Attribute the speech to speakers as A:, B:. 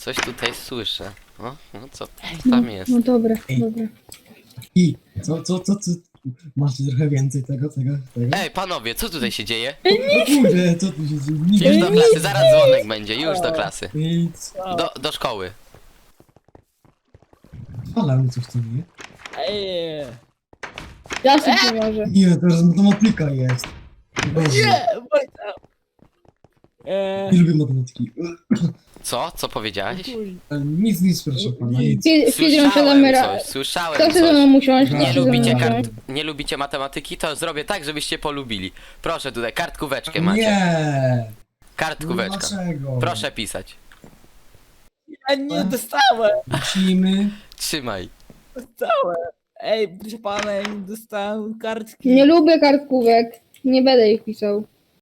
A: Coś tutaj słyszę. O, no co tam jest?
B: No dobra,
C: Ej.
B: dobra.
C: I co? Masz trochę więcej tego?
A: Ej, panowie, co tutaj się dzieje?
C: No kurde, co tu się dzieje?
A: Już do klasy, zaraz dzwonek będzie, już do klasy.
C: Nic.
A: Do szkoły.
C: Ale coś tu nie?
D: Ej,
B: Ja się pomoże.
C: Nie, teraz matematyka jest. Boże,
D: nie, Wojtek.
C: nie lubię matematyki.
A: Co? Co powiedziałeś?
C: Nic, proszę pana, nic.
B: Filip, siadamy
A: Słyszałem
B: Kto chce ze
A: coś.
B: mną usiąść?
C: Nie
B: Kto chce ze mną
A: lubicie
B: usiąść?
A: Nie lubicie matematyki? To zrobię tak, żebyście polubili. Proszę tutaj, kartkóweczkę macie.
C: Nie! No
A: Kartkóweczka.
C: dlaczego?
A: Proszę pisać.
D: Ja nie dostałem,
C: Musimy...
A: Trzymaj.
D: Ej, proszę pana, ja nie dostałem kartki.
B: Nie lubię kartkówek. Nie będę ich pisał.